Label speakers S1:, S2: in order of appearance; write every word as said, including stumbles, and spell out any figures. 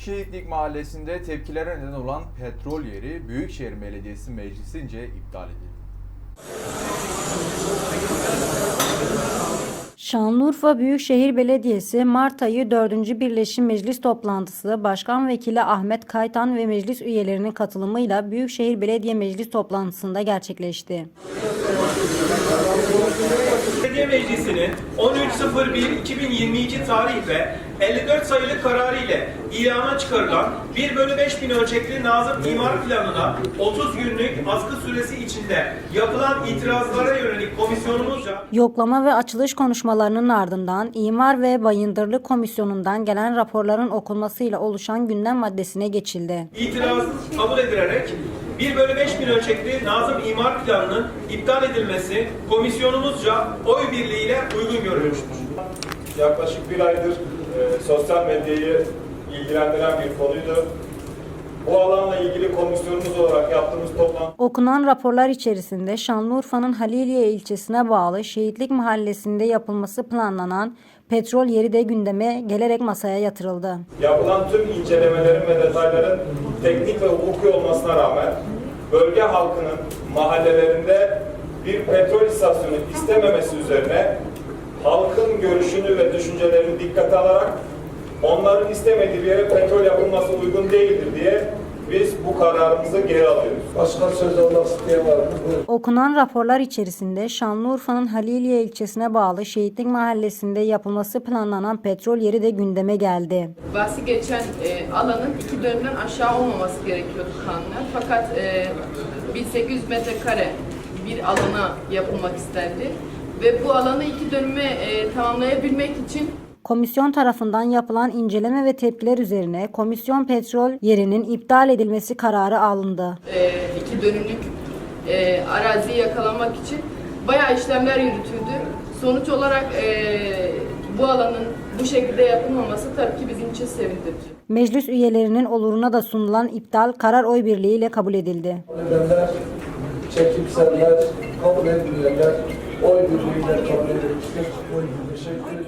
S1: Şehitlik Mahallesi'nde tepkilere neden olan petrol yeri Büyükşehir Belediyesi meclisince iptal edildi.
S2: Şanlıurfa Büyükşehir Belediyesi Mart ayı dördüncü Birleşim Meclis toplantısı Başkan Vekili Ahmet Kaytan ve meclis üyelerinin katılımıyla Büyükşehir Belediye Meclis toplantısında gerçekleşti.
S3: Belediye Meclisi'nin on üç sıfır bir iki bin yirmi iki tarih ve elli dört sayılı kararı ile ilana çıkarılan bir bölü beş bin ölçekli Nazım İmar Planı'na otuz günlük askı süresi içinde yapılan itirazlara yönelik komisyonumuzca
S2: Yoklama ve açılış konuşmalarının ardından İmar ve Bayındırlık Komisyonu'ndan gelen raporların okunmasıyla oluşan gündem maddesine geçildi.
S3: itiraz kabul edilerek bir bölü beş bin ölçekli Nazım İmar Planı'nın iptal edilmesi komisyonumuzca oy birliğiyle uygun görülmüştür.
S4: Yaklaşık bir aydır e, sosyal medyayı ilgilendiren bir konuydu. Bu alanla ilgili komisyonumuz olarak yaptığımız toplantı...
S2: Okunan raporlar içerisinde Şanlıurfa'nın Haliliye ilçesine bağlı Şehitlik Mahallesi'nde yapılması planlanan petrol yeri de gündeme gelerek masaya yatırıldı.
S4: Yapılan tüm incelemelerin ve detayların teknik ve hukuki olmasına rağmen bölge halkının mahallelerinde bir petrol istasyonu istememesi üzerine halkın görüşünü ve düşüncelerini dikkate alarak onların istemediği bir yere petrol yapılması uygun değildir diye biz bu kararımızı geri alıyoruz.
S5: Başka söz almak isteyen var mı? Buyurun.
S2: Okunan raporlar içerisinde Şanlıurfa'nın Haliliye ilçesine bağlı Şehitlik Mahallesi'nde yapılması planlanan petrol yeri de gündeme geldi.
S6: Bahsi geçen e, alanın iki dönümden aşağı olmaması gerekiyordu kanuna. Fakat e, bin sekiz yüz metrekare bir alana yapılmak istendi. Ve bu alanı iki dönüme e, tamamlayabilmek için
S2: Komisyon tarafından yapılan inceleme ve tepkiler üzerine komisyon petrol yerinin iptal edilmesi kararı alındı.
S6: e, iki dönümlük e, araziyi yakalamak için bayağı işlemler yürütüldü. Sonuç olarak e, bu alanın bu şekilde yapılmaması tabii ki bizim için sevindirici.
S2: Meclis üyelerinin oluruna da sunulan iptal karar oy birliğiyle kabul edildi.
S5: Edenler, çekimseller, kabul edilmeyenler oy birliğiyle kabul edilmiştir. Oy birliği. Teşekkür ederim.